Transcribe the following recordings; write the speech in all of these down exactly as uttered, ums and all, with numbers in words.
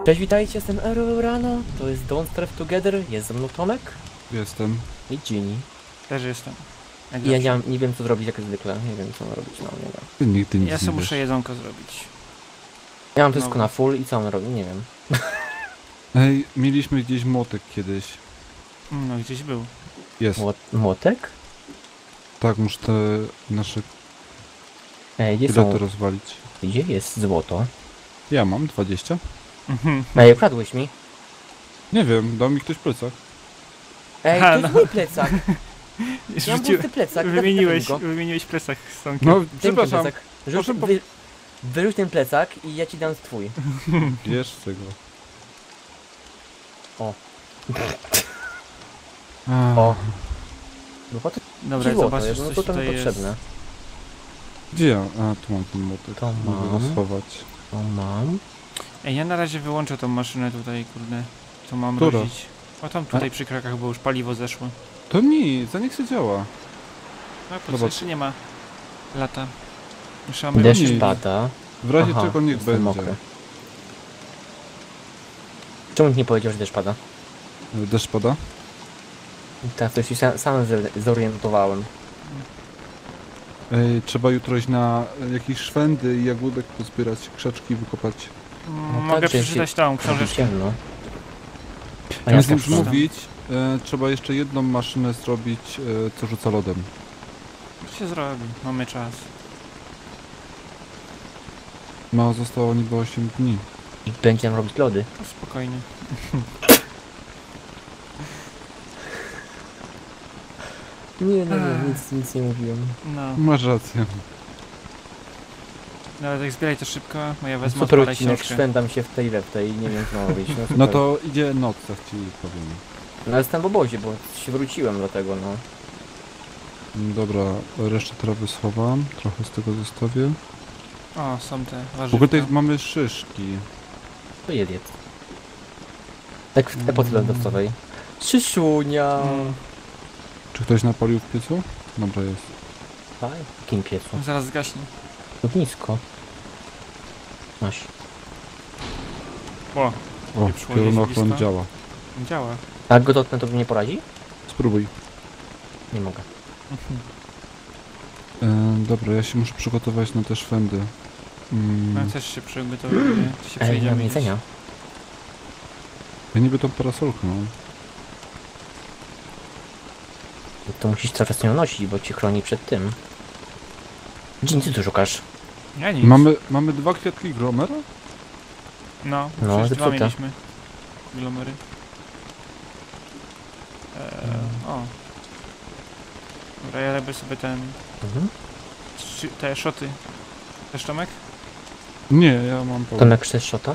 Cześć, witajcie, jestem Erurano, to jest Don't Starve Together, jest ze mną Tomek Jestem. i Ginny. Też jestem. Jak I ja zawsze. nie, mam, nie wiem co zrobić jak zwykle, nie wiem co mam robić, no nie wiem. Ty nigdy nic Ja nie sobie muszę wiesz. jedzonko zrobić. Ja mam wszystko No. na full i co mam robić, nie wiem. Ej, mieliśmy gdzieś młotek kiedyś. No gdzieś był. Jest. Młot, młotek? Tak, muszę te nasze Ej, gdzie bilety są, rozwalić. gdzie jest złoto? Ja mam dwadzieścia. Mhm. Ej, ukradłeś mi? Nie wiem, dał mi ktoś plecak. Ej, Ha, to jest no. mój plecak! Ja mam pusty plecak, wymieniłeś, go. wymieniłeś plecak z Tomkiem. No, Daj mi ten przepraszam, plecak. Rzuć, proszę po- wy, wyrzuć ten plecak i ja ci dam twój. bierz tego. O. Ach, O. No po to Dobra, ci złoto zobaczysz jest, no coś to to mi tutaj jest. potrzebne. Gdzie ja? A, tu mam ten młotek. To Mogę go mam. schować. To mam. Ej, ja na razie wyłączę tą maszynę tutaj, kurde. Co mam Która? robić? O tam tutaj przy krakach, bo już paliwo zeszło. To nic, za niech się działa. No po co Zobacz. jeszcze nie ma lata. Muszę mamy Deszcz nie. pada. W razie Aha, czego niech jestem będzie. mokry. Czemu nie powiedział, że deszcz pada? Deszcz pada? Tak, to się sam, sam z- zorientowałem. Ej, trzeba jutro iść na jakieś szwędy i jagódek pozbierać, krzaczki wykopać. Mm, No Mogę tak, że przeczytać tą Robi książeczkę. ciemno. A Ja ja z tym przeczytam. mówić, e, trzeba jeszcze jedną maszynę zrobić, e, co rzuca lodem. Co się zrobi? Mamy czas. No, zostało niby osiem dni. I będzie nam robić lody. No, spokojnie. Nie, no nie, Ech. nic, nic nie mówiłem. No. Masz rację. Dobra, tak zbieraj to szybko, bo ja wezmę Super odpalę odcinek, książkę. szwendam się w tej we w tej, nie wiem co mam robić. No, super. No to idzie noc, tak ci powiem. No jestem w obozie, bo się wróciłem do tego, no. Dobra, resztę trawy schowam, trochę z tego zostawię. O, są te W warzywa. ogóle tutaj mamy szyszki. To jedz, jedz. Tak w epoce lodowcowej. Szyszunia! Mm. Czy ktoś napalił w piecu? Dobra, jest. Tak? W jakim piecu? Zaraz zgaśnie. Ognisko. Masz. O, O, Pieprzyło piorunochron blisko. działa. działa. A jak go dotknę, to mi nie poradzi? Spróbuj. Nie mogę. E, dobra, ja się muszę przygotować na te szwędy. Mm, Ja też się przygotowuję. To się Ej, nie przejdziemy mam gdzieś. jedzenia. ja niby tą parasolkę mam. To musisz cały czas ją nosić, bo ci chroni przed tym. Gdzie ty tu szukasz? Ja nic. Mamy, mamy dwa kwiatki gromera? No, No, przecież dwa zepsute. mieliśmy. Glomery. Eee, o. Dobra, ja robię sobie ten... Mhm. Trzy, te szoty. Też Tomek? Nie, ja mam pełno. Tomek, chcesz szota?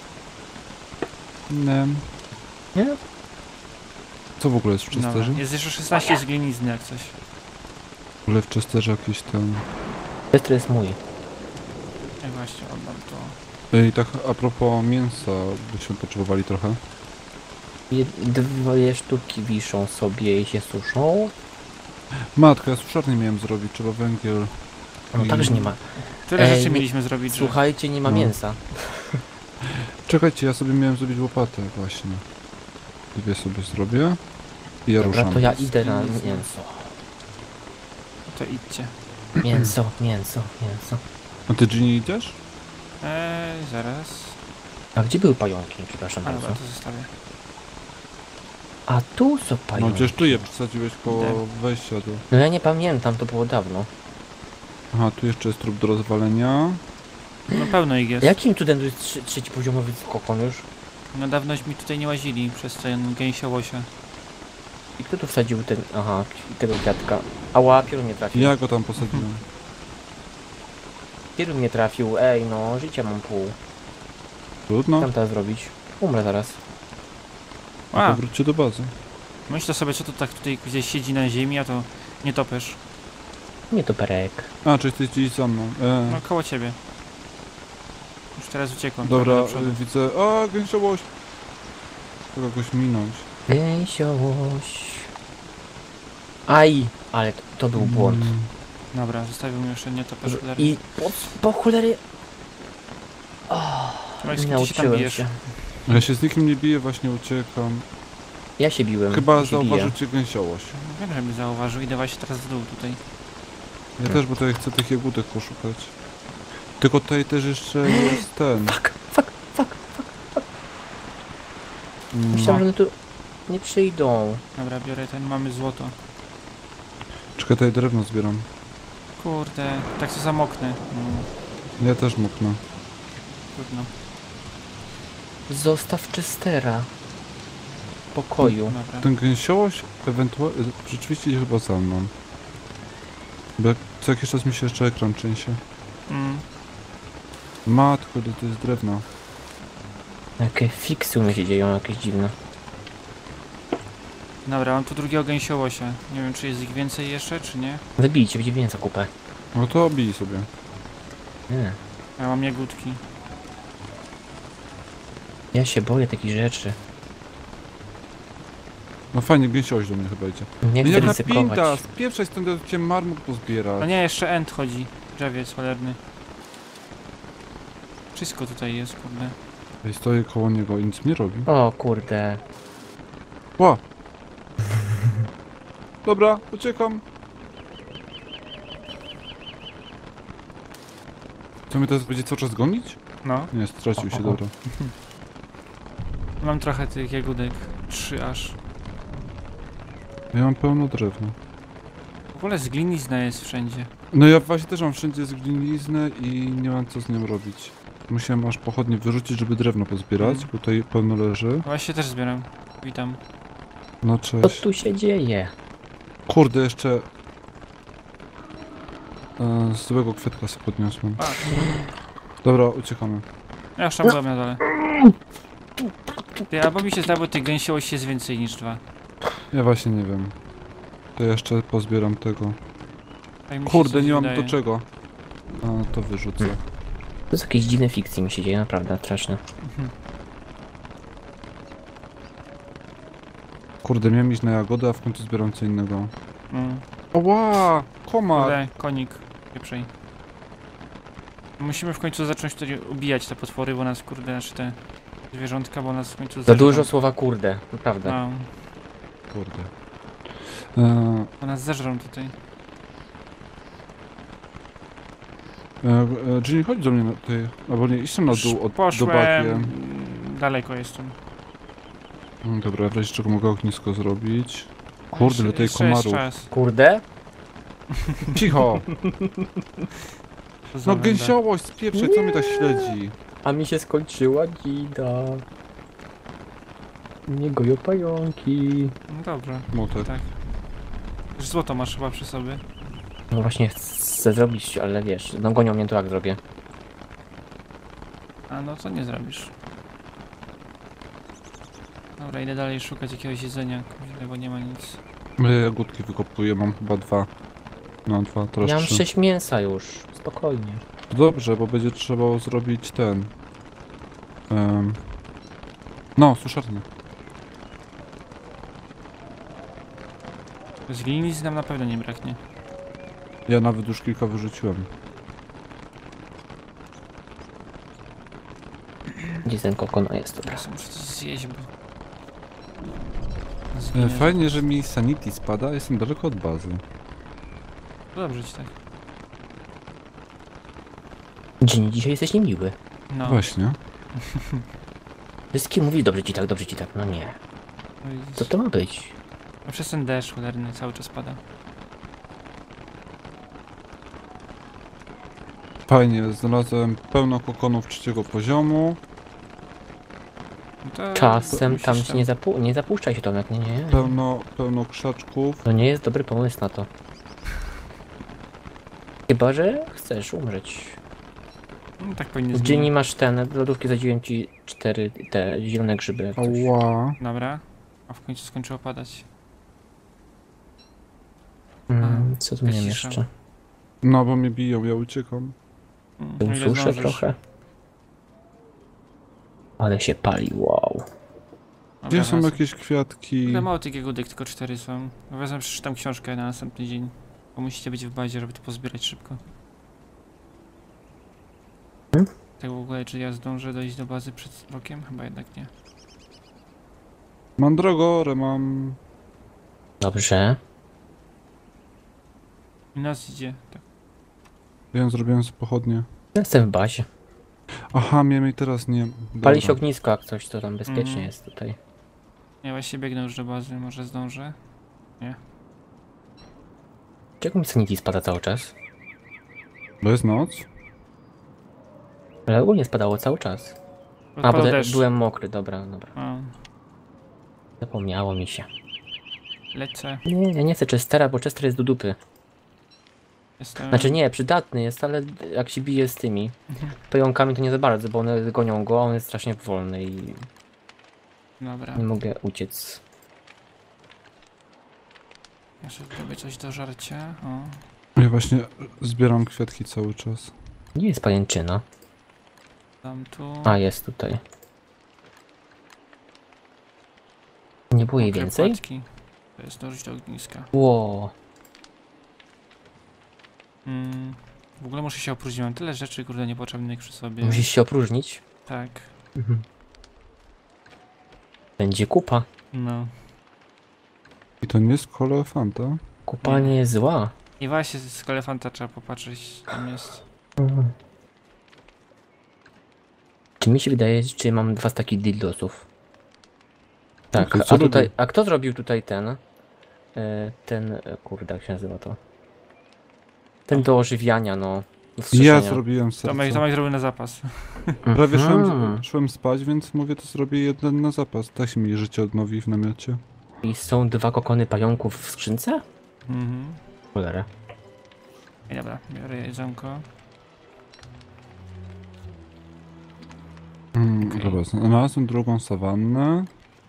Nie. Nie? Co w ogóle jest w Chesterze? Dobra. Jest jeszcze szesnaście z glinizny jak coś. W ogóle w Chesterze jakiś ten... Pestry jest mój. Ja właśnie oddam to. Ej, tak a propos mięsa, byśmy potrzebowali trochę. Jed- Dwie sztuki wiszą sobie i się suszą. Matka, ja suszarnię miałem zrobić, trzeba węgiel. No I- także nie ma. Tyle Ej, rzeczy nie- mieliśmy zrobić, że... Słuchajcie, nie ma No. mięsa. Czekajcie, ja sobie miałem zrobić łopatę właśnie. Dwie sobie zrobię. I ja Dobra, ruszam. to ja idę na mięso. To idźcie. Mięso, mięso, mięso. A ty Ginny idziesz? Eee, zaraz. A gdzie były pająki? Przepraszam A dobra, bardzo. to zostawię. A tu są No pająki. przecież tu je przesadziłeś koło Idę. wejścia do... No ja nie pamiętam, to było dawno. Aha, tu jeszcze jest trup do rozwalenia. No pełno ich jest. Jakim cudem to jest trzy, trzeci poziomowy kokon już? No dawnoś mi tutaj nie łazili przez ten gęsia łosia. I kto tu wsadził ten... Aha, tego kwiatka. Ała, piorun nie trafił. Ja go tam posadziłem. Piorun nie trafił, ej no, życia mam pół. Co Trudno. tam teraz zrobić? Umrę zaraz. A, Powróćcie do bazy. myślę sobie, co to tak tutaj gdzieś siedzi na ziemi, a to nie topesz. Nie to perek. A, czy jesteś gdzieś za mną? E. No koło ciebie. Już teraz uciekłem. Dobra, trochę do przodu. y, widzę... A, gęsiołoś! Trzeba jakoś minąć. Gęsiołoś. Aj, ale to, to był błąd. Mm. Dobra, zostawił mi jeszcze nie topesz. I po, po cholery... Tomek, Nie z kim ty się tam nauczyłem bijesz? się. Ja się z nikim nie biję, właśnie uciekam. Ja się biłem. Chyba ja się zauważył biję. cię gęsiołość. No wiem, żeby zauważył. Idę właśnie teraz w dół tutaj. Ja też, bo tutaj chcę tych jagódek poszukać. Tylko tutaj też jeszcze jest ten. Fuck, fuck, fuck. Mm, Myślałem, że one tu nie przyjdą. Dobra, biorę ten, mamy złoto. Czekaj, tutaj drewno zbieram. Kurde, tak się zamoknę. No, Ja też moknę. trudno. Zostaw Chestera. W pokoju. Dobra. Ten gęsiołość ewentualnie rzeczywiście idzie chyba za mną. Bo jak co jakiś czas mi się jeszcze ekran trzęsie. Mm. Matko, ile to jest drewno. Jakie fiksy u mnie się dzieją, jakieś dziwne. Dobra, mam tu drugiego gęsiołosia. Nie wiem, czy jest ich więcej jeszcze, czy nie. Wybijcie, będzie więcej kupę. No to bij sobie. Nie. Ja mam jagódki. Ja się boję takich rzeczy. No fajnie, gęsiołość do mnie chyba idzie. Nie chcę Jaka ryzykować. pinta! Spieprzaj stąd, ja cię marmur pozbierać. No nie, jeszcze end chodzi. Drzewiec cholerny. Wszystko tutaj jest, kurde. Ej, stoję koło niego i nic nie robi. O kurde. Ła! Dobra, uciekam. Co mnie teraz będzie cały czas gonić? No, Nie, stracił się, O, o, o. dobra. mam trochę tych jagódek. Trzy aż. Ja mam pełno drewna. W ogóle zglinizna jest wszędzie. No ja właśnie też mam wszędzie zgliniznę i nie mam co z nią robić. Musiałem aż pochodnie wyrzucić, żeby drewno pozbierać, Mm. bo tutaj pełno leży. Właśnie też zbieram. Witam. No Co cześć. tu się dzieje? Kurde, jeszcze... E, z złego kwiatka sobie podniosłem. A, Dobra, uciekamy. ja już tam byłem na dole. Ty, albo mi się zdało, tych gęsiołości jest więcej niż dwa. Ja właśnie nie wiem. To jeszcze pozbieram tego. Tak mi się Kurde, coś nie mam wydaje. do czego. A, to wyrzucę. Hmm. To jest jakieś dziwne fikcje mi się dzieje, naprawdę straszne. Mhm. Kurde, miałem iść na jagody, a w końcu zbieram co innego. Mm. Oła! Komar! Kurde, konik. Pieprzej. Musimy w końcu zacząć tutaj ubijać te potwory, bo nas, kurde, znaczy te zwierzątka, bo nas w końcu Za zeżrą. dużo słowa kurde, naprawdę. No, Kurde. E, bo nas zeżrą tutaj. e, e, Ginny, chodź do mnie na tej... Albo nie, idź tam na dół, od, do Poszłem... bagiem. mm, Daleko jestem. Mm, Dobra, w razie czego mogę ognisko zrobić. Kurde, ile tutaj Jeszcze jest komarów. czas. Kurde? Cicho! To za No węda. gęsiołość, spieprzaj, co mnie tak śledzi? A mi się skończyła dzida. Nie goją pająki. No dobra, Motek. tak. Już złoto masz chyba przy sobie. No właśnie chcę zrobić, ale wiesz, no gonią mnie, to jak zrobię. A no to nie zrobisz. Dobra, idę dalej szukać jakiegoś jedzenia, kurde, bo nie ma nic. Ja jagódki wykopuję, mam chyba dwa. No dwa, teraz Ja mam trzy. sześć mięsa już, spokojnie. To dobrze, bo będzie trzeba zrobić ten... Um, no, suszarnię. Z glinicy nam na pewno nie braknie. Ja nawet już kilka wyrzuciłem. Gdzie ten kokona jest, dobra. Teraz muszę coś zjeść, bo... E, Zginę. Fajnie, że mi sanity spada, a jestem daleko od bazy. Dobrze ci tak. Dzień, dzisiaj jesteś niemiły. No. Właśnie. Wszystkim mówi dobrze ci tak, dobrze ci tak, no nie. No widzisz. Co to ma być? A przez ten deszcz cholerny cały czas pada. Fajnie, znalazłem pełno kokonów trzeciego poziomu. No to Czasem musisz tam się nie, zapu nie zapuszczaj się Tomek, nie, nie. Pełno, pełno krzaczków. To nie jest dobry pomysł na to. Chyba, że chcesz umrzeć. No, tak powinien W zginąć. dzienni masz ten, do lodówki zadziłem ci cztery te zielone grzyby. jak coś. Ała. Dobra. A w końcu skończyło padać. Mm, co tu miałem cisza. jeszcze? No, bo mnie biją, ja uciekam. Mm, Tu o ile suszę zdążysz. trochę. Ale się pali, wow. Dobra, Gdzie są wracam. jakieś kwiatki? Ile mało tych jagódek, tylko cztery są. No wezmę, przeczytam książkę na następny dzień. Bo musicie być w bazie, żeby to pozbierać szybko. Tak w ogóle, czy ja zdążę dojść do bazy przed rokiem? Chyba jednak nie. Mam drogorę, mam... Dobrze. I nas idzie. Tak. Wiem, zrobiłem sobie pochodnie. Jestem w bazie. Aha, miałem i teraz nie... Pali się Dobra. ognisko, jak coś, to tam bezpiecznie Mhm. jest tutaj. Ja właśnie biegnę już do bazy, może zdążę. Czego mi sanity spada cały czas? Bo jest noc? Ale ogólnie spadało cały czas. A, bo Odpadł te, deszcz. byłem mokry, dobra, dobra. A, Zapomniało mi się. lecę. Nie, ja nie chcę Chestera, bo Chester jest do dupy. Jestem... Znaczy nie, przydatny jest, ale jak się bije z tymi Mhm. pająkami to nie za bardzo, bo one gonią go, a on jest strasznie wolny i Dobra. nie mogę uciec. Jeszcze zrobię coś do żarcia. O, Ja właśnie zbieram kwiatki cały czas. Gdzie jest pajęczyna? dam tu. A, jest tutaj. Nie było jej Mokre więcej? płatki. To jest dążyć do ogniska. Ło, Mm. W ogóle muszę się opróżnić. Mam tyle rzeczy, kurde, niepotrzebnych przy sobie. musisz się opróżnić. Tak. Będzie kupa. No. I to nie jest kolefanta? Kupa nie jest zła. I właśnie z elefanta trzeba popatrzeć, tam jest. Czy mi się wydaje, że mam dwa staki dildosów? Tak, to co a tutaj, robi? a kto zrobił tutaj ten? E, ten, e, kurde, jak się nazywa to? Ten do ożywiania, no. Do Ja wskrzeszenia. zrobiłem serce. Tomek, Tomek zrobił na zapas. Prawie Mhm. szłem, szłem spać, więc mówię, to zrobię jeden na zapas. Tak się mi życie odnowi w namiocie. I są dwa kokony pająków w skrzynce? Mhm. Cholera. I dobra, biorę jedzonko. Mm, Okej. Dobra, znalazłem drugą sawannę.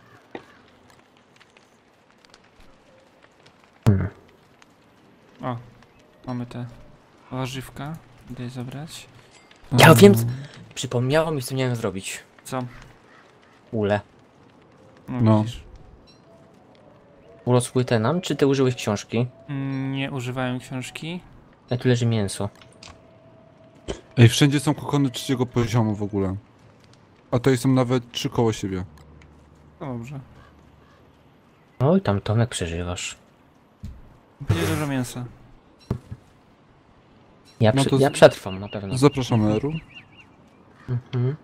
O, mamy te warzywka. Idę je zabrać. Ja Um, wiem, przypomniało mi, co miałem zrobić. Co? Ule. No, No. widzisz. Urosły te nam, czy ty użyłeś książki? Mm, nie używałem książki. A tu leży mięso. Ej, wszędzie są kokony trzeciego poziomu w ogóle. A tutaj są nawet trzy koło siebie. No dobrze. Oj, tam Tomek przeżywasz. Będzie dużo mięsa. Ja, No przy, to z- ja przetrwam na pewno. Zapraszam Eru. Mhm.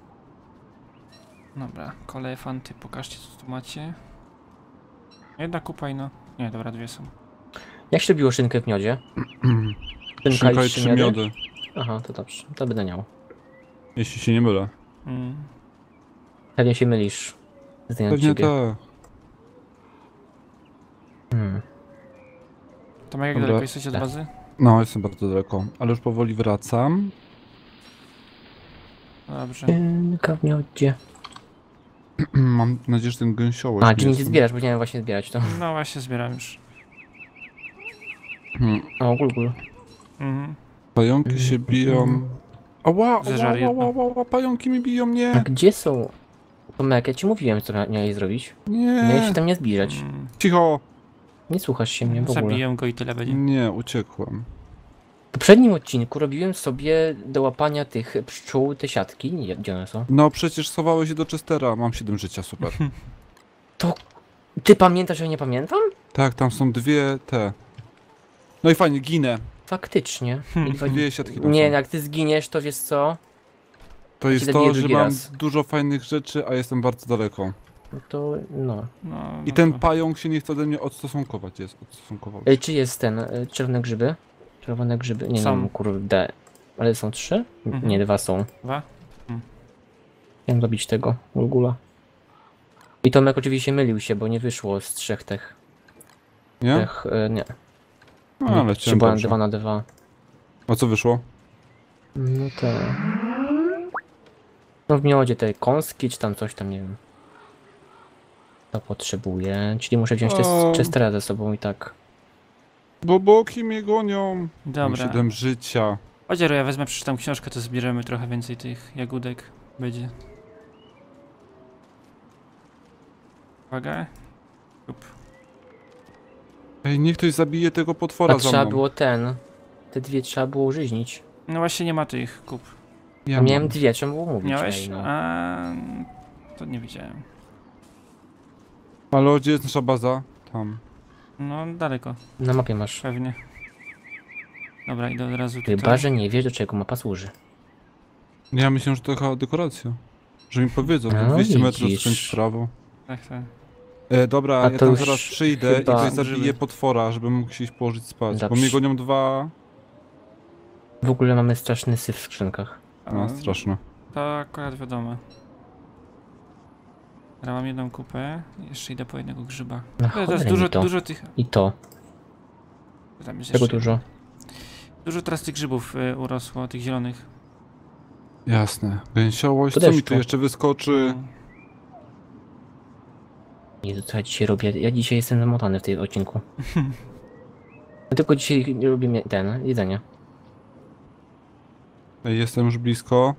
Dobra, kolefanty, pokażcie co tu macie. Jedna kupa i no. Nie, dobra, dwie są. Jak się robiło szynkę w miodzie? Szynka i trzy miody. Aha, to dobrze. To będę miał. Jeśli się nie mylę. Mm. Pewnie się mylisz. Znając Pewnie ciebie. tak. Hmm. Tomek, jak Dobra. daleko jesteście od Tak. bazy? No, jestem bardzo daleko. Ale już powoli wracam. No dobrze. Szynka w miodzie. Mam nadzieję, że ten gęsiołek A, nie czy nic jest- zbierasz, bo nie wiem właśnie zbierać to. No właśnie zbieram już. Hmm. O, gul, gul. Mhm. Pająki się biją. Ała, Zeżar ała, jedno. ała, ała, ała, pająki mi biją, A nie! gdzie są? Tomek, ja ci mówiłem, co miałeś zrobić. Miałeś się Nie! tam nie zbliżać. Mm. Cicho! Nie słuchasz się mnie w ogóle. Zabiję go i tyle będzie. Nie, uciekłem. W poprzednim odcinku robiłem sobie do łapania tych pszczół te siatki. Nie, gdzie one są? No przecież schowałeś się do Chestera, mam siedem życia, super. To... Ty pamiętasz, że ja nie pamiętam? Tak, tam są dwie te. No i fajnie, ginę. Faktycznie. I dwa- Dwie siatki tam Nie, są. jak ty zginiesz, to wiesz co? To jest zabiję to, że drugi mam raz. dużo fajnych rzeczy, a jestem bardzo daleko. No to no. No, I no ten to- pająk się nie chce ode mnie odstosunkować, jest odstosunkował. Ej, czy jest ten, y, czerwone grzyby? Czerwone grzyby? Nie Są. wiem, kurde. Ale są trzy? Mhm. Nie, dwa są. Dwa? Chciałem zabić tego, Ulgula. I Tomek oczywiście mylił się, bo nie wyszło z trzech tych. Nie? tych y, nie. No, ale Czy chciałem była dobrze. dwa na dwa. A co wyszło? No te... No w miodzie te kąski, czy tam coś tam, nie wiem. To potrzebuję, czyli muszę wziąć te O. Chestera ze sobą i tak. Bo boki mnie gonią. Mam Dobra. siedem życia. Chodź, ja wezmę, przeczytam książkę, to zbierzemy trochę więcej tych jagódek. Będzie. Uwaga. Up. Ej, niech ktoś zabije tego potwora A za trzeba mną. było ten. Te dwie trzeba było użyźnić. No właśnie nie ma tych kup. Ja Miałem mam. dwie, trzeba było mówić. Miałeś? Ej, no. A, to nie widziałem. Ale gdzie jest nasza baza? Tam. No, daleko, Na mapie masz. pewnie. Dobra, idę od razu tutaj. Chyba, że nie wiesz, do czego mapa służy. Ja myślę, że to taka dekoracja. Że mi powiedzą, No, dwieście metrów widzisz. skręć w prawo. Tak, tak. E, dobra, A ja to tam już zaraz przyjdę chyba- i tutaj zabiję potwora, żebym mógł się iść położyć spać. Bo Dobrze. mnie gonią dwa... W ogóle mamy straszny syf w skrzynkach. No, straszne. To akurat wiadomo. Teraz mam jedną kupę, jeszcze idę po jednego grzyba. Na To jest cholerę dużo, mi to. dużo tych... I to. Tam jest Czego jeszcze- dużo? Dużo teraz tych grzybów y, urosło, tych zielonych. Jasne. Gęsiołość, Po co mi deszczu. tu jeszcze wyskoczy? No. Jezu, co ja dzisiaj robię? Ja dzisiaj jestem zamotany w tym odcinku. Ja tylko dzisiaj nie robię mie- ten, jedzenie. Ej, jestem już blisko.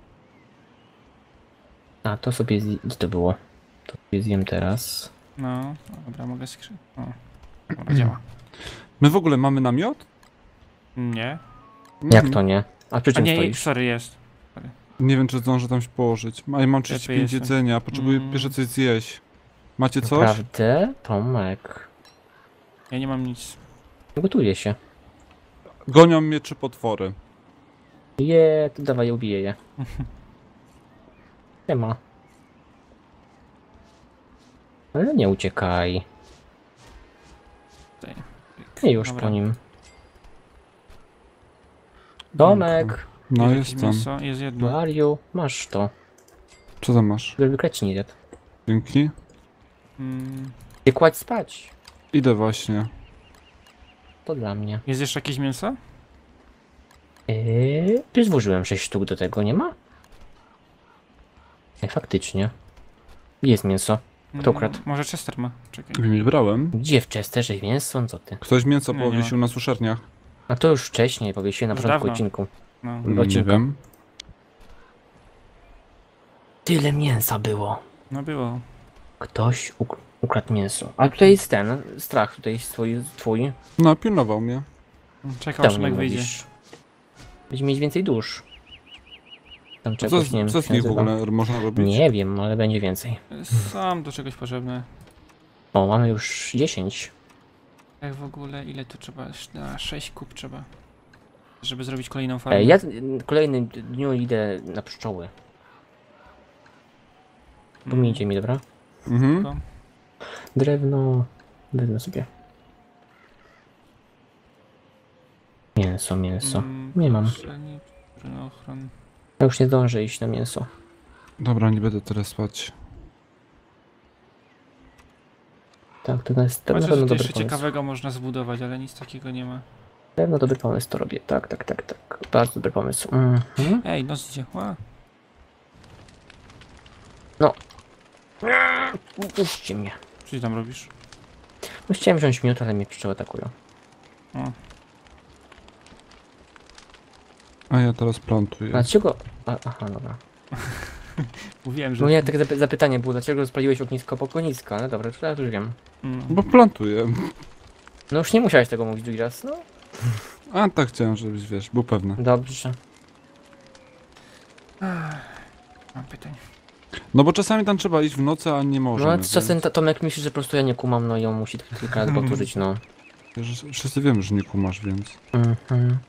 A, to sobie zje... Gdzie to było? To sobie zjem teraz. No, dobra, mogę skrzy... O, dobra, działa. My w ogóle mamy namiot? Nie. Jak Mhm. to nie? A przy A czym nie, stoisz? sorry, jest. Nie wiem, czy zdążę tam się położyć. A ja mam trzydzieści pięć jestem. jedzenia, potrzebuję Mm. pierwsze coś zjeść. Macie coś? Naprawdę? Tomek. Ja nie mam nic. Gotuję się. Gonią mnie trzy potwory. Je, to dawaj, ubiję je. Nie ma. Ale nie uciekaj. Tutaj. Nie już Dobra. po nim. Tomek! No Jest jakieś jestem. mięso? Jest jedno. Mariu, masz to. Co tam masz? Żeby kreci nie zjadł. Dzięki. Mm, Ty kładź spać. Idę właśnie. To dla mnie. jest jeszcze jakieś mięso? Eee, ty złożyłem sześć sztuk do tego, nie ma? Nie, faktycznie. Jest mięso. Kto ukradł? Mm, może Chester ma. Czekaj. Nie brałem. Gdzie w Chesterze mięso? Co ty? Ktoś mięso Nie, nie ma. powiesił na suszarniach. A to już wcześniej powiesiłem na Już początku dawno. odcinku. No. Mm. Nie Odcinka. wiem. Tyle mięsa było. No było. Ktoś uk ukradł mięso. A tutaj jest ten strach, tutaj jest twój. twój. No, pilnował mnie. Czekał, aż Tam nie Szymek wyjdzie. mówisz. Będziemy mieć więcej dusz. Tam Co, czegoś, nie wiem, co jak z się nich w nazywa. ogóle można robić? Nie wiem, ale będzie więcej. Są do czegoś potrzebne. O, mamy już dziesięć. Jak w ogóle, ile tu trzeba? Na sześć kup trzeba. Żeby zrobić kolejną farmę. Ej, ja w kolejnym dniu idę na pszczoły. Pomijcie mi, dobra? Mhm. To- Drewno. Wezmę sobie. Mięso, mięso. Mm, Nie mam. pszczelnik, ochron. Ja już nie zdążę iść na mięso. Dobra, nie będę teraz spać. Tak, to jest to na Chociaż pewno coś dobry jeszcze pomysł. ciekawego można zbudować, ale nic takiego nie ma. Na pewno dobry pomysł to robię. Tak, tak, tak, tak. Bardzo dobry pomysł. Mhm. Ej, noc idzie. Ła. Puśćcie mnie. Co ty tam robisz? No, chciałem wziąć miód, ale mnie pszczoły atakują. O. A ja teraz plantuję. Dlaczego? A, aha, dobra. Mówiłem, że... No nie, takie zapy- zapytanie było, dlaczego spaliłeś ognisko po ognisko, ale dobra, to ja już wiem. Mm. Bo plantuję. No już nie musiałeś tego mówić drugi raz, no. A tak chciałem, żebyś wiesz, był pewny. Dobrze. Mam pytanie. No bo czasami tam trzeba iść w nocy, a nie No możemy. ale czasem ta- Tomek myśli, że po prostu ja nie kumam, no i on musi kilka razy powtórzyć, no. Wiesz, wszyscy wiemy, że nie kumasz, więc... Mhm.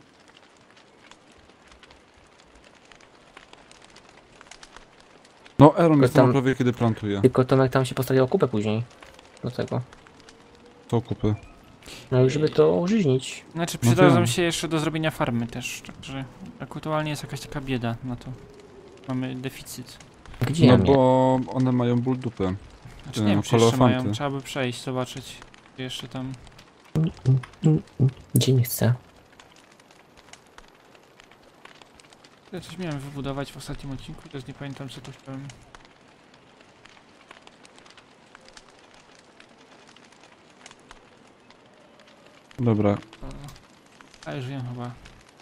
No, Aaron jest tam- tam prawie kiedy plantuje. Tylko Tomek tam się postawił o kupę później. Do tego. To kupy. No i żeby to użyźnić. Znaczy No przydadzą wiem. się jeszcze do zrobienia farmy też, także aktualnie jest jakaś taka bieda na to. Mamy deficyt. Gdzie No ja mnie? bo one mają ból dupy. Znaczy Te nie wiem, czy jeszcze mają, kolofanty. trzeba by przejść, zobaczyć. Czy jeszcze tam... Gdzie nie chcę? Ja coś miałem wybudować w ostatnim odcinku, teraz nie pamiętam co to chciałem. Dobra. A już wiem chyba.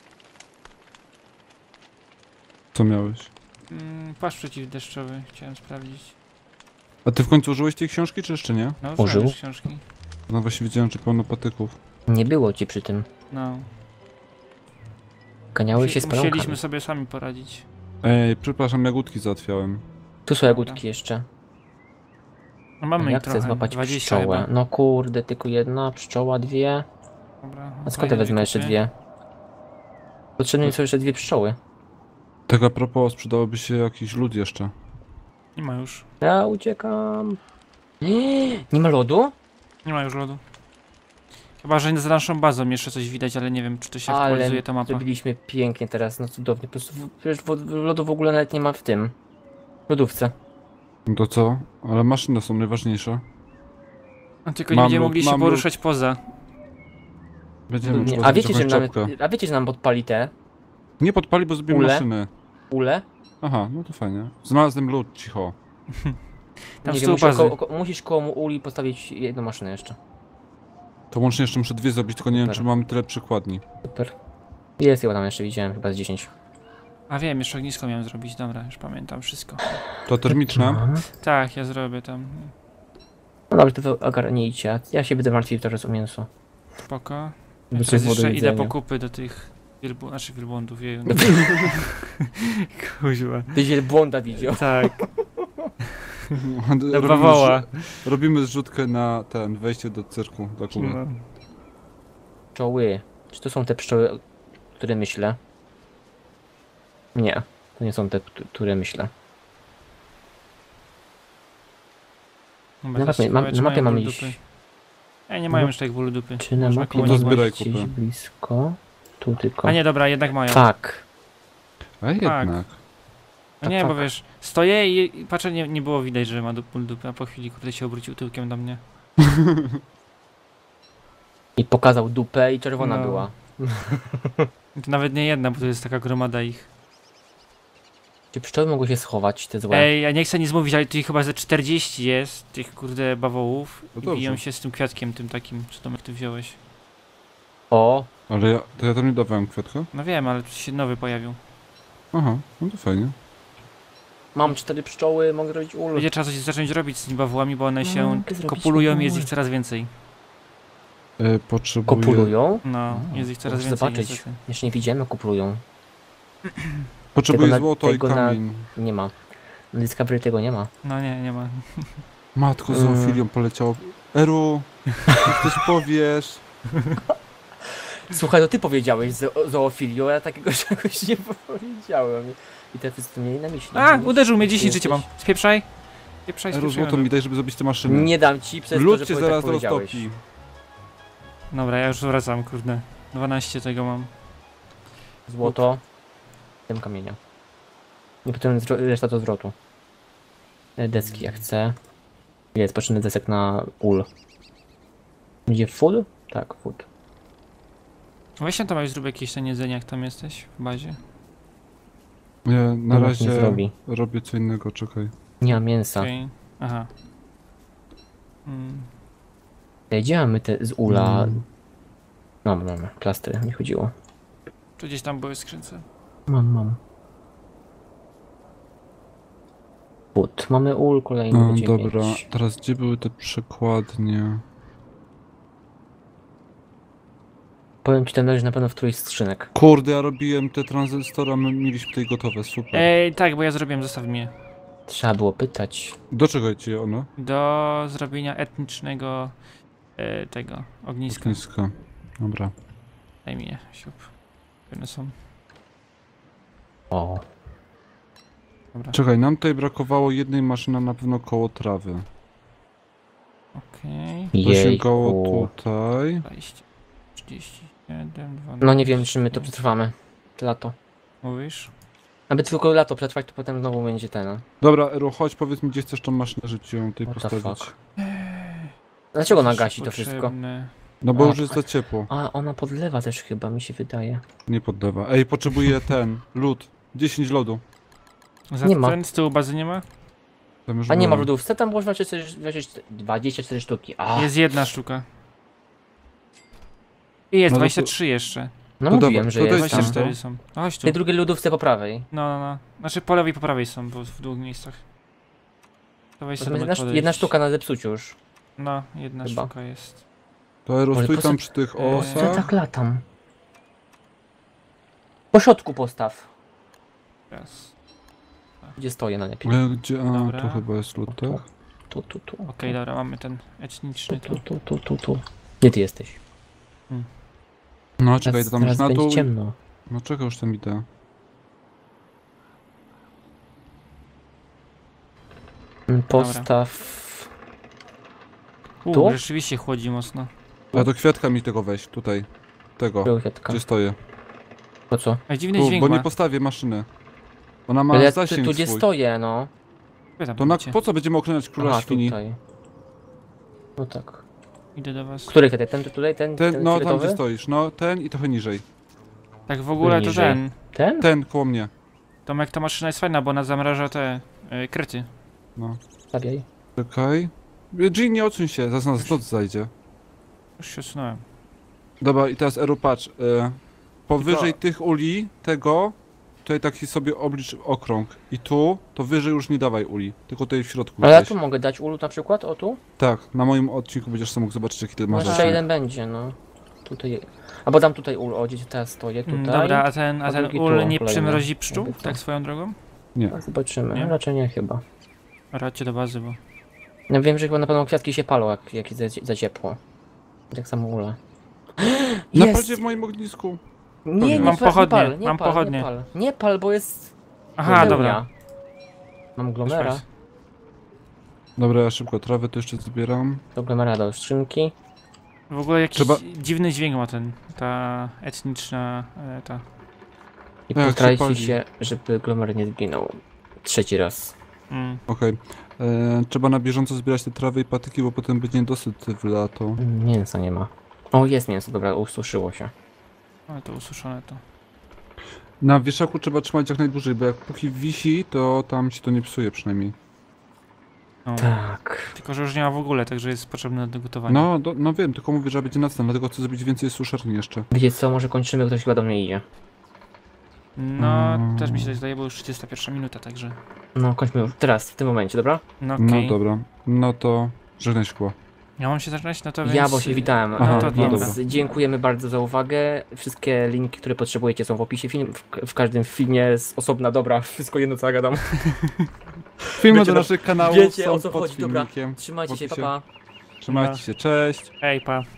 Co miałeś? Mm, płaszcz przeciwdeszczowy chciałem sprawdzić. A ty w końcu użyłeś tej książki, czy jeszcze nie? No, Użył? użyłem już książki. No właśnie widziałem, czy pełno patyków. Nie było ci przy tym. No. Ganiałeś się z Musi- Musieliśmy pająkami. sobie sami poradzić. Ej, przepraszam, jagódki załatwiałem. Tu są jagódki jeszcze. No mamy Ja ich chcę trochę, złapać dwadzieścia pszczołę. chyba. No kurde, tylko jedna pszczoła, dwie. Dobra, A skąd fajnie, ja wezmę jeszcze kupię. dwie? Potrzebne mi są jeszcze dwie pszczoły. Tak a propos, przydałoby się jakiś lód jeszcze. Nie ma już. Ja uciekam. Nie ma lodu? Nie ma już lodu. Chyba, że za naszą bazą jeszcze coś widać, ale nie wiem, czy to się Ale aktualizuje ta mapa. zrobiliśmy pięknie teraz, no cudownie. Po prostu w- przecież wo- lodu w ogóle nawet nie ma w tym. W lodówce. No to co? Ale maszyny są najważniejsze. No, tylko nie Mam będziemy lód, mogli się mam poruszać poza. Będziemy Nie, trzeba a, zrobić wiecie, że jakąś nam, czapkę. a wiecie, że nam podpali te Nie podpali, bo zrobimy Ule? maszyny. ule? Aha, no to fajnie. Znalazłem lód, cicho. Tam Nie z wiem, tyłu musisz bazy. koło, ko- musisz koło uli postawić jedną maszynę jeszcze. To łącznie jeszcze muszę dwie zrobić, tylko nie wiem, Super. czy mamy tyle przykładni. Super. Jest chyba tam jeszcze, widziałem chyba z dziesięć. A wiem, jeszcze ognisko miałem zrobić, dobra, już pamiętam wszystko. To termiczne? Tak, ja zrobię tam. No dobrze, to wy ogarnijcie. Ja się będę martwił teraz o mięso. Spoko. Ja Żeby teraz było do jeszcze idę jedzenia. po kupy do tych wielbłądów, znaczy wielbłądów, jeju. Kuźwa. Ty wielbłąda widział. Tak, Robimy bawoła. zrzu- Robimy zrzutkę na ten, wejście do cyrku dla Kuby. No. Pszczoły. Czy to są te pszczoły, o które myślę? Nie, to nie są te, k- które myślę. Dobra, Na teraz mapie, ciekawe, mam, czy na mapie mają mam ból iść. dupy. Ej, nie mają No. już tak bólu dupy. Czy na Można mapie komuś to nie zgłosić. zbieraj jest gdzieś kupę. blisko? Tu tylko. A nie, dobra, jednak mają. Tak. A jednak. No nie, tak, bo tak. wiesz, stoję i, i patrzę, nie, nie było widać, że ma du- ból dupy, a po chwili kurde się obrócił tyłkiem do mnie. I pokazał dupę i czerwona No. była. I to nawet nie jedna, bo to jest taka gromada ich. Czy pszczoły mogły się schować, te złe? Ej, ja nie chcę nic mówić, ale tu ich chyba ze czterdzieści jest, tych kurde bawołów. No I dobrze. biją się z tym kwiatkiem, tym takim, co Tomek ty wziąłeś. O, Ale ja, to ja tam nie dawałem kwiatka? No wiem, ale tu się nowy pojawił. Aha, no to fajnie. mam cztery pszczoły, mogę robić ul. Będzie trzeba coś zacząć robić z tymi bawołami, bo one No, się mogę zrobić kopulują i taką jest ul. ich coraz więcej. E, potrzebuję... Kopulują? No, A, jest ich coraz Muszę więcej zobaczyć. niestety. Jeszcze nie widziałem, jak kopulują. Potrzebuję Tego na- złoto i tego na- kamień. Nie ma. Na Discovery tego nie ma. No nie, nie ma. Matko, z Mm. zoofilią poleciało. Eru, jak coś powiesz. Słuchaj, to ty powiedziałeś zo zoofilią, a ja takiego czegoś nie powiedziałem. I te wszyscy mieli na myśli. A, Wiesz? uderzył mnie, dziesięć Jesteś- życia mam. Spieprzaj. Spieprzaj, Eru, spieprzaj. złoto mi daj, żeby zrobić te maszyny. Nie dam ci przez to, Lód że cię powie- zaraz tak powiedziałeś. roztopi. Dobra, ja już wracam, kurde. dwanaście tego mam. Złoto. Tym kamienia. I potem zwro- reszta to zwrotu. E, Deski jak chcę. Jest, potrzebny desek na ul. Będzie full? Tak, full. Weź tam już zrób jakieś ten jedzenie, jak tam jesteś w bazie. Ja na To nas razie nie zrobi. robię co innego, czekaj. Nie ma mięsa. Okej. Aha. Mm. Ej, gdzie mamy te z ula? Mm. No, mamy. Plastry, mi chodziło. Tu gdzieś tam były skrzynce. Mam, mam. Put. Mamy ul kolejny. No, dziewięć. dobra, teraz gdzie były te przekładnie? Powiem ci, ten leży na pewno w którejś z skrzynek. Kurde, ja robiłem te tranzystora, my mieliśmy tutaj gotowe, super. Ej, tak, bo ja zrobiłem, zostaw mnie. Trzeba było pytać. Do czego ci ono? Do zrobienia etnicznego e, tego ogniska. Niska. Dobra. Daj mi je, siup. One są. O. Dobra. Czekaj, nam tutaj brakowało jednej maszyny na pewno koło trawy. Okej. To sięgało Jejku. tutaj. dwadzieścia, trzydzieści siedem, dwanaście. No nie wiem, czy my to przetrwamy. Lato. Mówisz? Aby tylko lato przetrwać, to potem znowu będzie ten. Dobra, Eru, chodź, powiedz mi, gdzie chcesz tą maszynę, żeby ci ją tutaj What the postawić. fuck? Dlaczego ona Coś gasi to wszystko? potrzebne. No bo A, już jest za ciepło. A, ona podlewa też chyba, mi się wydaje. Nie podlewa. Ej, potrzebuję ten, lód. dziesięć lodu. Za Nie ma. ten z tyłu bazy nie ma? Tam już A nie ma w było. lodówce, tam można dwadzieścia cztery sztuki. A, Jest jedna sztuka. I jest No to- dwadzieścia trzy jeszcze. no to mówiłem, dobra, że to jest dajcie tam. dwadzieścia cztery to. są. No chodź W tu. tej drugiej lodówce po prawej. No, no, no. Znaczy po lewej i po prawej są, bo w dwóch miejscach. To weź To sobie jedna, podejść. jedna sztuka na zepsuciu już. No, jedna Chyba. sztuka jest. To Eru, Może stój po tam co- przy tych Eee, Po co ja osach. tak latam? Po środku postaw. Raz. Gdzie stoję najlepiej? E, Gdzie? A, Dobra. tu chyba jest lód, tak? Tu, tu, tu. Okej, dobra, mamy ten etniczny Tu, tu. tu, tu, tu, tu. Gdzie ty jesteś? No czekaj, Teraz, to tam teraz już na będzie dół. ciemno. No czekaj, już tam idę. Mm, Postaw... U, Tu? rzeczywiście chłodzi mocno. A do kwiatka mi tego weź, tutaj. Tego, Kwiatka. gdzie stoję. Po co? A dziwny Tu, dźwięk bo ma. nie postawię maszyny. Ona ma Ale ja tu, zasięg tu gdzie swój. stoję, no. Wy tam To na, idziecie. po co będziemy okleniać króla Aha, świni? tutaj. No tak. Idę do was. Który kwiatek? Ten tutaj, ten, ten, Ten, no tam fioletowy? gdzie stoisz, no ten i trochę niżej. Tak w ogóle to Niżej. ten. Ten? Ten koło mnie. Tomek, ta maszyna jest fajna, bo ona zamraża te y, kryty. No. Stawiaj. Czekaj. Jean, nie odsuń się, zaraz nas noc zajdzie. Już się odsunąłem. Dobra, i teraz Eru, patrz. E, powyżej Tylko- tych uli, tego, tutaj taki sobie oblicz okrąg. I tu, to wyżej już nie dawaj uli, tylko tutaj w środku Ale ja gdzieś. tu mogę dać ulu na przykład, o tu? Tak, na moim odcinku będziesz sobie mógł zobaczyć, jaki ty No masz jeszcze zasięg. jeden będzie, no. Tutaj. Albo dam tutaj ul, o gdzie teraz stoję, tutaj. Mm, Dobra, a ten, a a ten drugi ul tu nie kolejny. przymrozi pszczół? Jakby co. Tak swoją drogą? Nie. A zobaczymy, Nie? raczej nie chyba. Radźcie do bazy, bo... Ja wiem, że chyba na pewno kwiatki się palą, jak, jak jest za, za ciepło. Tak samo ule. Napadzie w moim ognisku. Nie, nie, Mam pal, nie pochodnie, pal, nie mam pal, pochodnie. Nie pal, nie pal, bo jest... Aha, pełnia. dobra. Mam glomera. Też Dobra, ja szybko trawę to jeszcze zbieram. Do glomera do skrzynki. W ogóle jakiś Trzeba- dziwny dźwięk ma ten, ta etniczna, e, ta... I Jak się postarajcie pali. się, żeby glomer nie zginął. Trzeci raz. Mm. Okej. E, Trzeba na bieżąco zbierać te trawy i patyki, bo potem będzie niedosyt w lato. Mm, Mięsa nie ma. O, jest mięso, dobra, ususzyło się. Ale to ususzone to. Na wieszaku trzeba trzymać jak najdłużej, bo jak póki wisi, to tam się to nie psuje przynajmniej. No. Tak. Tylko, że już nie ma w ogóle, także jest potrzebne do gotowania. No, do, no wiem, tylko mówię, że będzie następny, dlatego chcę zrobić więcej suszarni jeszcze. Wiecie co, może kończymy, ktoś chyba do mnie idzie. No, Mm. też mi się tak zdaje, bo już trzydziesta pierwsza minuta, także... No, kończmy już teraz, w tym momencie, dobra? No okej. No dobra, no to żegnaj szkło. Ja mam się zaczynać, no to więc... Ja, bo się witałem. Aha, No, to więc dobra. dziękujemy bardzo za uwagę. Wszystkie linki, które potrzebujecie, są w opisie. Film, w, w każdym filmie jest osobna, dobra, wszystko jedno co ja gadam. Filmy Wiecie, do no, naszych kanałów wiecie, są o co pod chodzi, dobra. filmikiem. Trzymajcie się, W pa opisie. pa. Trzymajcie się, cześć! Ej, pa.